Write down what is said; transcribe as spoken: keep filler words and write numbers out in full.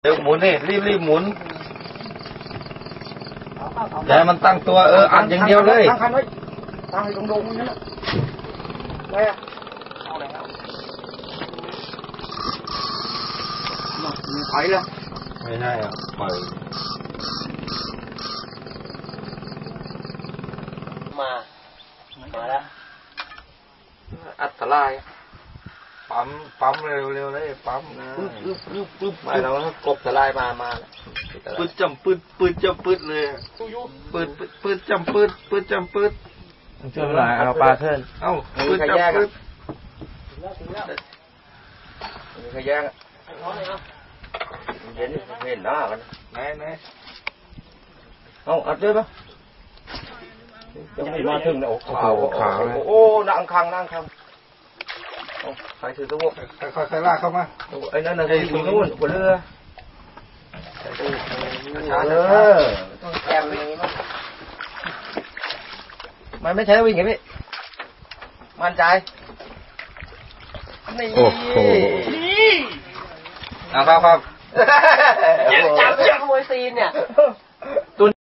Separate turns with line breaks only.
เดี๋ยวหมุนนี่รีบรีบหมุนอย่าให้มันตั้งตัวเอออัดอย่างเดียวเลย
ตั้งคันไว้ตั้งให้ตรงๆนั่นแหละไปอ่ะเอาอะไรครับมันไปแล้ว
ไม่ใช่อ่ะปล่อย
มามาแล้ว
อัตรายปั๊มปั๊มเร็วเร็วเลยปั๊มนะปึ๊บปึ๊บปึ๊บปึ๊บไม่เรากบสลายมามาปืดจำปืดปืดจำปืดเลยปืดปืดจำปืดปืดจำปืดช่วยหน่อยเอาปลาเทินเอ้าปืดจำปืดมีขยะเห็นเห็นหน้ามันไหนไหนเอาอัดด้วยปะจะไม่มาถึงแล้วขาวขาวโอ้นั่งคังนั่งคังใครถือตัวใครใครลากเข้ามาไอ้นั่นน่ะที่อยู่นู่นบนเรือเออต้องแกมอย่างนี้มั้งมันไม่ใช่วิ่งไงพี่มั่นใจนี่โอ้โหเอาครับครับ
จับจับขโมยซีนเนี่ย